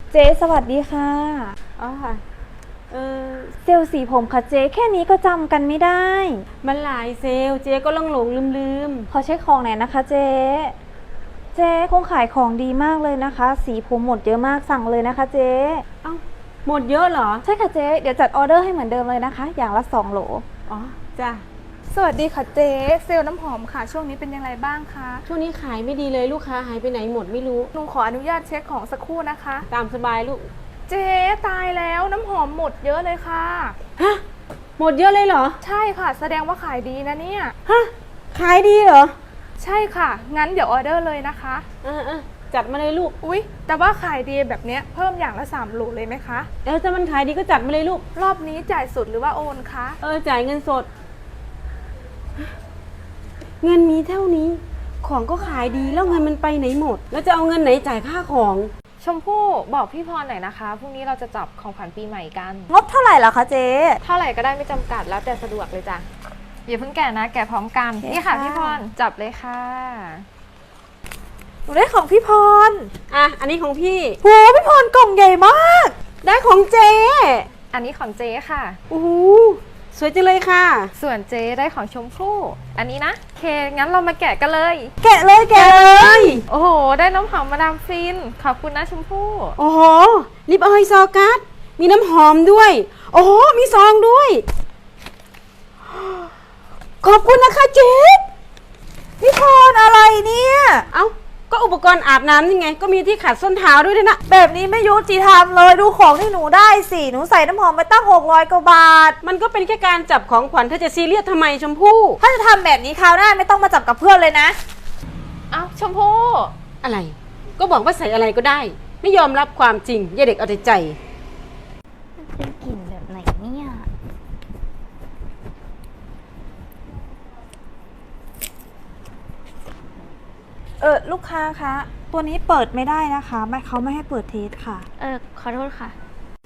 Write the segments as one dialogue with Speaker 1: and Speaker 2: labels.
Speaker 1: เจ๊สวัสดีค่ะ
Speaker 2: อ๋อค่ะเออ
Speaker 1: เซลล์สีผมค่ะเจ๊แค่นี้ก็จำกันไม่ได้
Speaker 2: มันหลายเซลเจ๊ก็หลงลืม
Speaker 1: ขอเช็คของหน่อยนะคะเจ๊คงขายของดีมากเลยนะคะสีผมหมดเยอะมากสั่งเลยนะคะเจ๊
Speaker 2: เอ้าหมดเยอะเหรอ
Speaker 1: ใช่ค่ะเจ๊เดี๋ยวจัดออเดอร์ให้เหมือนเดิมเลยนะคะอย่างละ2 โหล
Speaker 2: อ๋อจ้ะ
Speaker 3: สวัสดีค่ะเจ๊เซลล์น้ำหอมค่ะช่วงนี้เป็นยังไงบ้างคะ
Speaker 2: ช่วงนี้ขายไม่ดีเลยลูกค้าหายไปไหนหมดไม่รู้
Speaker 3: หนูขออนุญาตเช็คของสักครู่นะคะ
Speaker 2: ตามสบายลูก
Speaker 3: เจ๊ตายแล้วน้ำหอมหมดเยอะเลยค่ะ
Speaker 2: ฮะหมดเยอะเลยเหรอ
Speaker 3: ใช่ค่ะแสดงว่าขายดีนะเนี่ย
Speaker 2: ฮะขายดีเหรอ
Speaker 3: ใช่ค่ะงั้นเดี๋ยวออเดอร์เลยนะคะ
Speaker 2: จัดมาเลยลูก
Speaker 3: อุ๊ยแต่ว่าขายดีแบบเนี้ยเพิ่มอย่างละ3 โหลเลยไหมคะ
Speaker 2: ถ้ามันขายดีก็จัดมาเลยลูก
Speaker 3: รอบนี้จ่ายสดหรือว่าโอนคะ
Speaker 2: จ่ายเงินสดเงินมีเท่านี้ของก็ขายดีแล้วเงินมันไปไหนหมดแล้วจะเอาเงินไหนจ่ายค่าของ
Speaker 3: ชมพู่บอกพี่พรหน่อยนะคะพรุ่งนี้เราจะจับของขวัญปีใหม่กัน
Speaker 1: งบเท่าไหร่ล่ะคะเจ๊
Speaker 3: เท่าไหร่ก็ได้ไม่จำกัดแล้วแต่สะดวกเลยจ้ะอย่าเพิ่งแกะนะแกะพร้อมกันนี่ค่ะพี่พรจับเลยค่ะ
Speaker 1: หนูได้ของพี่พร
Speaker 2: อันนี้ของพี่
Speaker 1: โหพี่พรกล่องใหญ่มาก
Speaker 2: ได้ของเจ๊
Speaker 3: อันนี้ของเจ๊ค่ะ
Speaker 2: โอ้โหสวยจังเลยค่ะ
Speaker 3: ส่วนเจ๊ได้ของชมพู่อันนี้นะเคงั้นเรามาแกะกันเลย
Speaker 1: แกะเลย
Speaker 3: โอ้โหได้น้ำหอมมาดามฟินขอบคุณนะชมพู่
Speaker 2: โอ้โหลิปออยล์ซอกัสมีน้ำหอมด้วยโอ้โหมีซองด้วยขอบคุณนะคะเจ๊
Speaker 1: พี่พรอะไรเนี่ย
Speaker 2: เอ้าก็อุปกรณ์อาบน้ำยังไงก็มีที่ขัดส้นเท้าด้วยนะ
Speaker 1: แบบนี้ไม่ยุติธรรมเลยดูของที่หนูได้สิหนูใส่น้ำหอมไปตั้ง600 กว่าบาท
Speaker 2: มันก็เป็นแค่การจับของขวัญเธอจะซีเรียสทำไมชมพู่
Speaker 1: ถ้าจะทำแบบนี้คราวหน้าไม่ต้องมาจับกับเพื่อนเลยนะ
Speaker 3: เอ้าชมพู่
Speaker 2: อะไรก็บอกว่าใส่อะไรก็ได้ไม่ยอมรับความจริงอย่าเด็กเอาแต่ใจ
Speaker 1: มันเป็นกลิ่นแบบไหนเนี่ยลูกค้าคะตัวนี้เปิดไม่ได้นะคะเขาไม่ให้เปิดเทสค่ะ
Speaker 3: ขอโทษค่ะ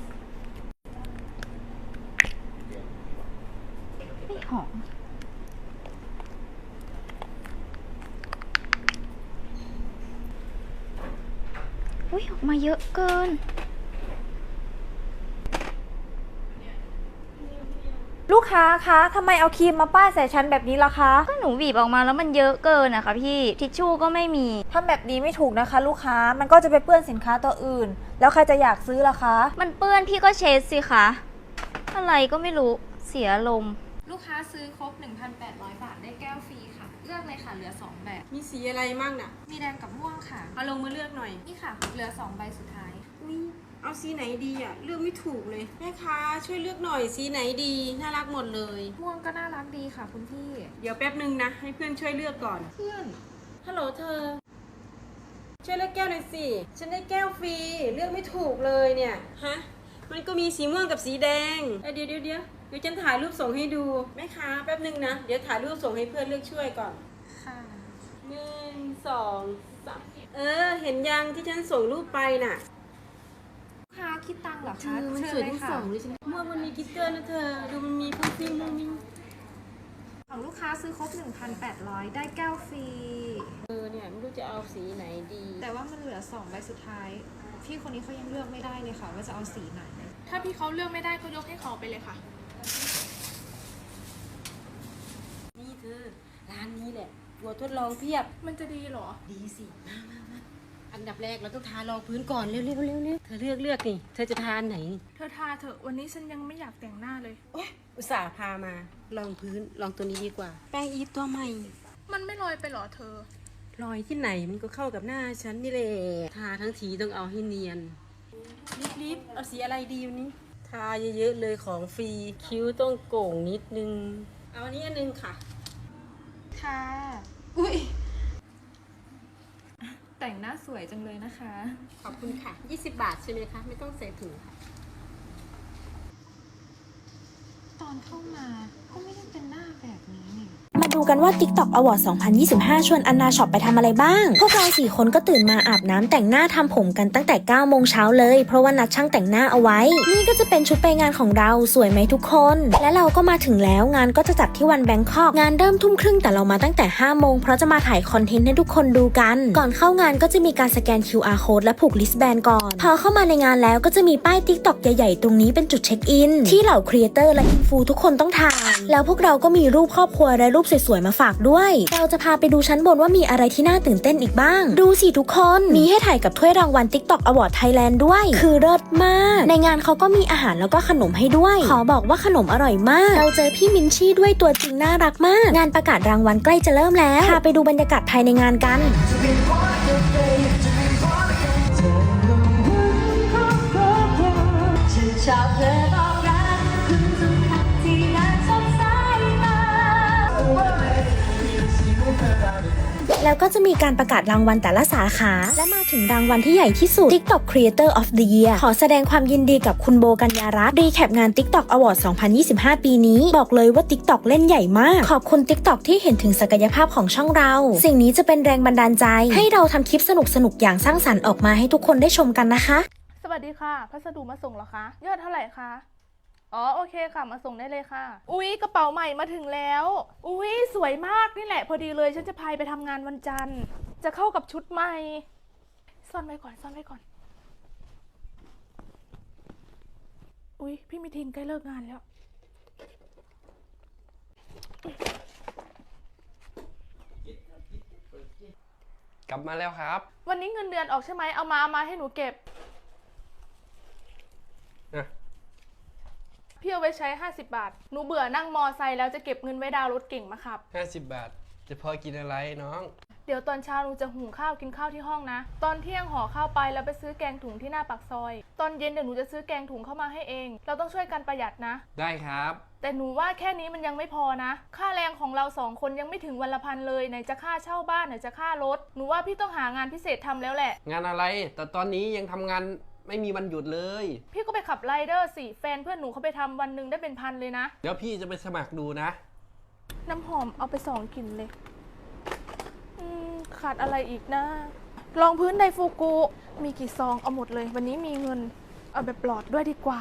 Speaker 1: ไม่หอม
Speaker 4: อุ้ยออกมาเยอะเกิน
Speaker 1: ลูกค้าคะทำไมเอาครีมมาป้ายใส่ฉันแบบนี้ล่ะคะ
Speaker 4: ก็หนูบีบออกมาแล้วมันเยอะเกินนะคะพี่ทิชชู่ก็ไม่มี
Speaker 1: ทำแบบนี้ไม่ถูกนะคะลูกค้ามันก็จะไปเปื้อนสินค้าตัวอื่นแล้วใครจะอยากซื้อล่ะคะ
Speaker 4: มันเปื้อนพี่ก็เช็ดสิคะอะไรก็ไม่รู้เสียลม
Speaker 3: ลูกค้าซื้อครบ 1,800 บาทได้แก้วฟรีค่ะเลือกเลยค่ะเหลือ2 แบบ
Speaker 2: มีสีอะไรมั่งน่ะ
Speaker 3: มีแดงกับม่วงค่ะ
Speaker 2: เอาลงมาเลือกหน่อย
Speaker 3: นี่ค่ะเหลือ2 ใบสุดท้าย
Speaker 2: เอาสีไหนดีอ่ะเลือกไม่ถูกเลยแม่ค้าช่วยเลือกหน่อยสีไหนดีน่ารักหมดเลย
Speaker 3: ม่วงก็น่ารักดีค่ะคุณพี่
Speaker 2: เดี๋ยวแป๊บนึงนะให้เพื่อนช่วยเลือกก่อน
Speaker 3: เพื่อน
Speaker 2: ฮัลโหลเธอช่วยเลือกแก้วหน่อยสิฉันได้แก้วฟรีเลือกไม่ถูกเลยเนี่ยฮะมันก็มีสีม่วงกับสีแดงเดี๋ยวฉันถ่ายรูปส่งให้ดูแม่ค้าแป๊บนึงนะเดี๋ยวถ่ายรูปส่งให้เพื่อนเลือกช่วยก่อน
Speaker 3: ค่ะ
Speaker 2: 1 2 3เห็นยังที่ฉันส่งรูปไปน่ะ
Speaker 3: ค่ะคิดตังค์เหรอคะ
Speaker 2: มันสวยทั้งสองเลยฉันเมื่อมันมีกิ๊กเกอร์นะเธอดูมันมีฟุ้งฟิ้งมุ้งมิ้ง
Speaker 3: ของลูกค้าซื้อครบ 1,800 ได้แก้วฟรี
Speaker 2: เนี่ยไม่รู้จะเอาสีไหนดี
Speaker 3: แต่ว่ามันเหลือ2 ใบสุดท้ายพี่คนนี้เขายังเลือกไม่ได้เลยค่ะว่าจะเอาสีไหนถ้าพี่เขาเลือกไม่ได้ก็ยกให้เขาไปเลยค่ะ
Speaker 2: นี่เธอร้านนี้แหละตัวทดลองเพียบ
Speaker 3: มันจะดีเหรอ
Speaker 2: ดีสิมาอันดับแรกเราต้องทารองพื้นก่อนเร็วเธอเลือกนี่เธอจะทาไหน
Speaker 3: เธอทาเถอะวันนี้ฉันยังไม่อยากแต่งหน้าเลย
Speaker 2: โอ๊ยอุตส่าห์พามาลองพื้นลองตัวนี้ดีกว่าแป้งอีฟตัวใหม่
Speaker 3: มันไม่ลอยไปหรอเธอ
Speaker 2: รอยที่ไหนมันก็เข้ากับหน้าฉันนี่แหละทาทั้งทีต้องเอาให้เนียนรีบเอาสีอะไรดีวันนี้ทาเยอะๆเลยของฟรีคิ้วต้องโก่งนิดนึงเอาอันนี้อันนึงค่ะ
Speaker 3: ค่ะอุ้ยแต่งหน้าสวยจังเลยนะคะ
Speaker 2: ขอบคุณค่ะ20 บาทใช่ไหมคะไม่ต้องใส่ถุงค่ะ
Speaker 3: ตอนเข้ามาก็ไม่ได้เป็นหน้าแบบนี้นี่
Speaker 1: มา
Speaker 5: ดูกันว่า TikTok Award 2025 ชวนอันนาช็อปไปทำอะไรบ้าง พวกเรา4คนก็ตื่นมาอาบน้ำแต่งหน้าทำผมกันตั้งแต่ 9 โมงเช้าเลยเพราะว่านัดช่างแต่งหน้าเอาไว้นี่ก็จะเป็นชุดไปงานของเราสวยไหมทุกคนและเราก็มาถึงแล้วงานก็จะจัดที่วันแบงคอกงานเริ่มทุ่มครึ่งแต่เรามาตั้งแต่ 5 โมงเพราะจะมาถ่ายคอนเทนต์ให้ทุกคนดูกันก่อนเข้างานก็จะมีการสแกน QR code และผูกลิสต์แบนก่อนพอเข้ามาในงานแล้วก็จะมีป้าย TikTok ใหญ่ๆตรงนี้เป็นจุดเช็คอินที่เหล่าครีเอเตอร์และอินฟูทุกคนต้องถ่ายแล้วพวกเราก็มีรูปครอบครัวและรูปสวยๆมาฝากด้วยเราจะพาไปดูชั้นบนว่ามีอะไรที่น่าตื่นเต้นอีกบ้างดูสิทุกคนมีให้ถ่ายกับถ้วยรางวัล TikTok Award Thailand ด้วยคือเลิศมากในงานเขาก็มีอาหารแล้วก็ขนมให้ด้วยขอบอกว่าขนมอร่อยมากเราเจอพี่มินชี่ด้วยตัวจริงน่ารักมากงานประกาศรางวัลใกล้จะเริ่มแล้วพาไปดูบรรยากาศภายในงานกันแล้วก็จะมีการประกาศรางวัลแต่ละสาขาและมาถึงรางวัลที่ใหญ่ที่สุด TikTok Creator of the Year ขอแสดงความยินดีกับคุณโบกัญญารัตน์รีแคปงาน TikTok Award 2025 ปีนี้บอกเลยว่า TikTok เล่นใหญ่มากขอบคุณ TikTok ที่เห็นถึงศักยภาพของช่องเราสิ่งนี้จะเป็นแรงบันดาลใจให้เราทำคลิปสนุกๆอย่างสร้างสรรค์ออกมาให้ทุกคนได้ชมกันนะคะ
Speaker 6: สวัสดีค่ะพัสดุมาส่งเหรอคะยอดเท่าไหร่คะอ๋อโอเคค่ะมาส่งได้เลยค่ะอุ๊ยกระเป๋าใหม่มาถึงแล้วอุ๊ยสวยมากนี่แหละพอดีเลยฉันจะพายไปทำงานวันจันทร์จะเข้ากับชุดใหม่ซ่อนไว้ก่อนซ่อนไว้ก่อนอุ๊ยพี่มิทินใกล้เลิกงานแล้ว
Speaker 7: กลับมาแล้วครับ
Speaker 6: วันนี้เงินเดือนออกใช่ไหมเอามาให้หนูเก็บพี่เอาไว้ใช้50 บาทหนูเบื่อนั่งมอไซค์แล้วจะเก็บเงินไว้ดาวน์รถเก่งมาขับ
Speaker 7: 50 บาทจะพอกินอะไรน้อง
Speaker 6: เดี๋ยวตอนเช้าหนูจะหุงข้าวกินข้าวที่ห้องนะตอนเที่ยงห่อข้าวไปแล้วไปซื้อแกงถุงที่หน้าปากซอยตอนเย็นเดี๋ยวหนูจะซื้อแกงถุงเข้ามาให้เองเราต้องช่วยกันประหยัดนะ
Speaker 7: ได้ครับ
Speaker 6: แต่หนูว่าแค่นี้มันยังไม่พอนะค่าแรงของเรา2 คนยังไม่ถึงวันละ1,000เลยไหนจะค่าเช่าบ้านไหนจะค่ารถหนูว่าพี่ต้องหางานพิเศษทำแล้วแหละ
Speaker 7: งานอะไรแต่ตอนนี้ยังทำงานไม่มีวันหยุดเลย
Speaker 6: พี่ก็ไปขับไรเดอร์สิแฟนเพื่อนหนูเขาไปทำวันหนึ่งได้เป็น1,000เลยนะ
Speaker 7: เดี๋ยวพี่จะไปสมัครดูนะ
Speaker 6: น้ำหอมเอาไป2 กลิ่นเลยขาดอะไรอีกนะรองพื้นไดฟูกุมีกี่ซองเอาหมดเลยวันนี้มีเงินเอาแบบปลอดด้วยดีกว่า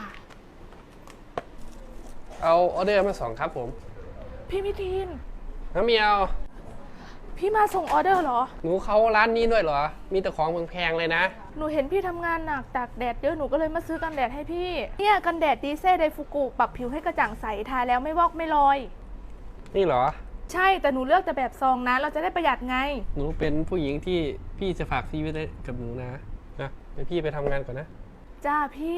Speaker 7: เอาออเดอร์มา2ครับผม
Speaker 6: พี่มิทิน
Speaker 7: น้ำเมียว
Speaker 6: พี่มาส่งออเดอร์เหรอ
Speaker 7: หนูเข้าร้านนี้ด้วยเหรอมีแต่ของแพงๆเลยนะ
Speaker 6: หนูเห็นพี่ทำงานหนักตากแดดเยอะหนูก็เลยมาซื้อกันแดดให้พี่เนี่ยกันแดดดีเซ่ไดฟูกุปรับผิวให้กระจ่างใสทาแล้วไม่วอกไม่ลอย
Speaker 7: นี่เหรอ
Speaker 6: ใช่แต่หนูเลือกแต่แบบซองนะเราจะได้ประหยัดไง
Speaker 7: หนูเป็นผู้หญิงที่พี่จะฝากชีวิตกับหนูนะเดี๋ยวพี่ไปทำงานก่อนนะ
Speaker 6: จ้าพี่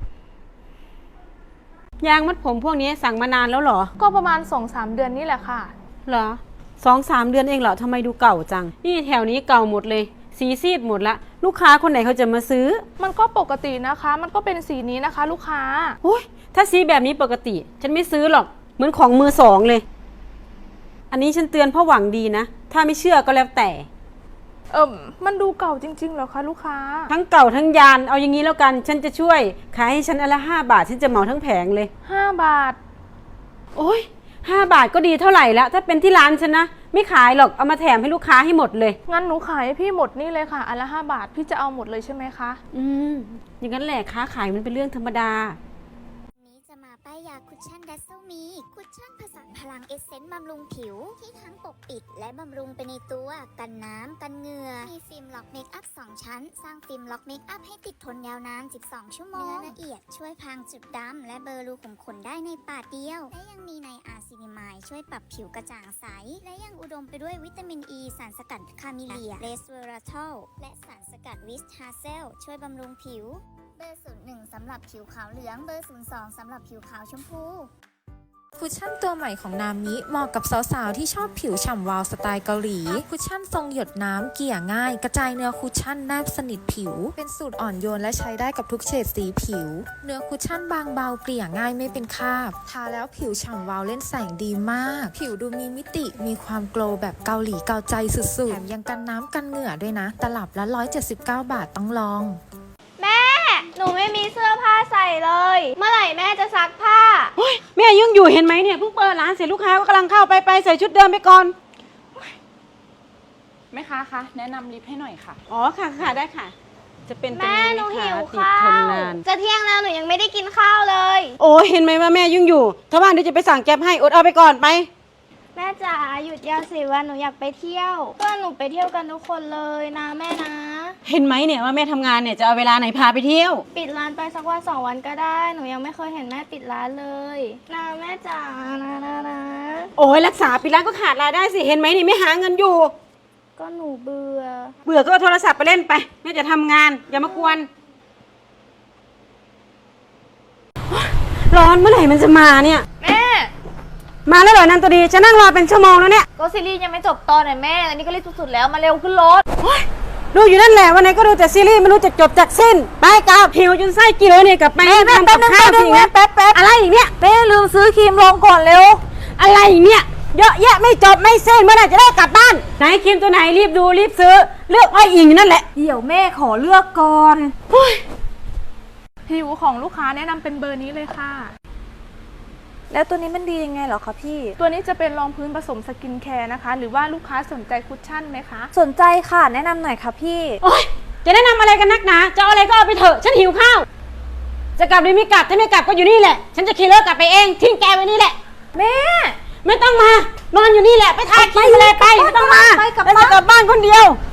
Speaker 2: ยางมัดผมพวกนี้สั่งมานานแล้วเหรอ
Speaker 6: ก็ประมาณ 2-3 เดือนนี่แหละค่ะ
Speaker 2: เหรอ2-3 เดือนเองเหรอทำไมดูเก่าจังนี่แถวนี้เก่าหมดเลยสีซีดหมดละลูกค้าคนไหนเขาจะมาซื้อ
Speaker 6: มันก็ปกตินะคะมันก็เป็นสีนี้นะคะลูกค้า
Speaker 2: โอ้ยถ้าสีแบบนี้ปกติฉันไม่ซื้อหรอกเหมือนของมือสองเลยอันนี้ฉันเตือนเพราะหวังดีนะถ้าไม่เชื่อก็แล้วแต่
Speaker 6: มันดูเก่าจริงๆเหรอคะลูกค้า
Speaker 2: ทั้งเก่าทั้งยานเอาอย่างนี้แล้วกันฉันจะช่วยขายให้ฉันอันละ5 บาทฉันจะเหมาทั้งแผงเลย
Speaker 6: 5 บาท
Speaker 2: โอ้ย5 บาทก็ดีเท่าไหร่แล้วถ้าเป็นที่ร้านฉันนะไม่ขายหรอกเอามาแถมให้ลูกค้าให้หมดเลย
Speaker 6: งั้นหนูขายให้พี่หมดนี่เลยค่ะอันละ5 บาทพี่จะเอาหมดเลยใช่ไหมคะ
Speaker 2: อย่างนั้นแหละค้าขายมันเป็นเรื่องธรรมดา
Speaker 8: ป้ายยาคุชชั่นดัซเซลมีคุชชั่นผสานพลังเอสเซนต์บำรุงผิวที่ทั้งปกปิดและบำรุงไปในตัวกันน้ำกันเหงื่อมีฟิล์มล็อกเมคอัพ2 ชั้นสร้างฟิล์มล็อกเมคอัพให้ติดทนยาวนาน12 ชั่วโมงเนื้อละเอียดช่วยพรางจุดดำและเบลอรูขุมขนได้ในปาดเดียวและยังมีไนอาซินิมายช่วยปรับผิวกระจ่างใสและยังอุดมไปด้วยวิตามินอ e, สารสกัดคาเมเลียเรสเวอราทอลและสารสกัดวิสทาเซลช่วยบำรุงผิวเบอร์01สำหรับผิวขาวเหลืองเบอร์02สำหรับผิวขาวชมพู
Speaker 5: คุชชั่นตัวใหม่ของนามิเหมาะกับสาวๆที่ชอบผิวฉ่ำวาวสไตล์เกาหลีคุชชั่นทรงหยดน้ำเกลี่ยง่ายกระจายเนื้อคุชชั่นแนบสนิทผิวเป็นสูตรอ่อนโยนและใช้ได้กับทุกเฉดสีผิวเนื้อคุชชั่นบางเบาเกลี่ยง่ายไม่เป็นคราบทาแล้วผิวฉ่ำวาวเล่นแสงดีมากผิวดูมีมิติมีความโกลว์แบบเกาหลีเกาใจสุดๆแถมยังกันน้ำกันเหงื่อด้วยนะตลับละ179 บาทต้องลอง
Speaker 4: แม่หนูไม่มีเสื้อผ้าใส่เลยเมื่อไหร่แม่จะซักผ้า
Speaker 2: แม่ยังอยู่เห็นไหมเนี่ยเพิ่งเปิดร้านเสร็จลูกค้าก็กำลังเข้าไปใส่ชุดเดิมไปก่อน
Speaker 6: แม่ค้าคะแนะนำลิฟต์ให้หน่อยค่ะ
Speaker 2: อ๋อค่ะได้ค่ะ จะเป็นตัว
Speaker 4: แม่
Speaker 2: นี้
Speaker 4: หนู
Speaker 2: ไหม
Speaker 4: หิ
Speaker 2: คะ
Speaker 4: ว
Speaker 2: ติด
Speaker 4: ข้า
Speaker 2: ทน
Speaker 4: วน
Speaker 2: าน
Speaker 4: จะเที่ยงแล้วหนูยังไม่ได้กินข้าวเลย
Speaker 2: โอ้เห็นไหมว่าแม่ยุ่งอยู่ ถ้าว่างเดี๋ยวจะไปสั่งแก๊ปให้อดเอาไปก่อนไป
Speaker 4: แม่จ๋าหยุดยาวสิวันหนูอยากไปเที่ยวเพื่อนหนูไปเที่ยวกันทุกคนเลยนะแม่นะ
Speaker 2: เห็นไหมเนี่ยว่าแม่ทำงานเนี่ยจะเอาเวลาไหนพาไปเที่ยว
Speaker 4: ปิดร้านไปสักวัน2 วันก็ได้หนูยังไม่เคยเห็นแม่ปิดร้านเลยนะแม่จ๋านะ
Speaker 2: โอ้ยรักษาปิดร้านก็ขาดรายได้สิเห็นไหมนี่ไม่หาเงินอยู่
Speaker 4: ก็หนูเบื่อ
Speaker 2: เบื่อก็เอาโทรศัพท์ไปเล่นไปแม่จะทำงานอย่ามากวนร้อนเมื่อไหร่มันจะมาเนี่ย
Speaker 4: แม่
Speaker 2: มาแล้วเหรอนันตัวดีฉันนั่งรอเป็นชั่วโมงแล้วเนี่ย
Speaker 4: ก็ซีรีส์ยังไม่จบตอนไหนแม่อันนี้ก็รีบสุดๆแล้วมาเร็วขึ้นรถ
Speaker 2: ดูอยู่นั่นแหละวันไหนก็ดูแต่ซีรีส์ไม่รู้จะจบจากสิ้นไปกลับหิวจนไส้กินเลยเนี่ยกลับไปทำกับข้าวสินะแป๊บอะไรอีกเนี่ย
Speaker 1: แม่ลืมซื้อครีมลงก่อนเร็ว
Speaker 2: อะไรอีกเนี่ยเยอะแยะไม่จบไม่สิ้นเมื่อไหร่จะได้กลับบ้านไหนครีมตัวไหนรีบดูรีบซื้อเลือกอ้อยอิงนั่นแหละ
Speaker 1: เดี๋ยวแม่ขอเลือกก่อน
Speaker 6: ผิวของลูกค้าแนะนำเป็นเบอร์นี้เลยค่ะ
Speaker 1: แล้วตัวนี้มันดียังไงเหรอคะพี่
Speaker 6: ตัวนี้จะเป็นรองพื้นผสมสกินแคร์นะคะ หรือว่าลูกค้าสนใจคุชชั่นไหมคะ
Speaker 1: สนใจค่ะแนะนำหน่อยค่ะพี่
Speaker 2: โอ๊ยจะแนะนำอะไรกันนักหนาจะเอาอะไรก็เอาไปเถอะฉันหิวข้าวจะกลับหรือไม่กลับถ้าไม่กลับก็อยู่นี่แหละฉันจะขี่รถกลับไปเองทิ้งแกไว้นี่แหละ
Speaker 1: แม่
Speaker 2: ไม่ต้องมานอนอยู่นี่แหละไปทาครีมอะไรไปไม่ต้องมา
Speaker 1: ไปกลับ
Speaker 2: แล้ว
Speaker 1: บ้าน
Speaker 2: จะกลับบ้านคนเดียว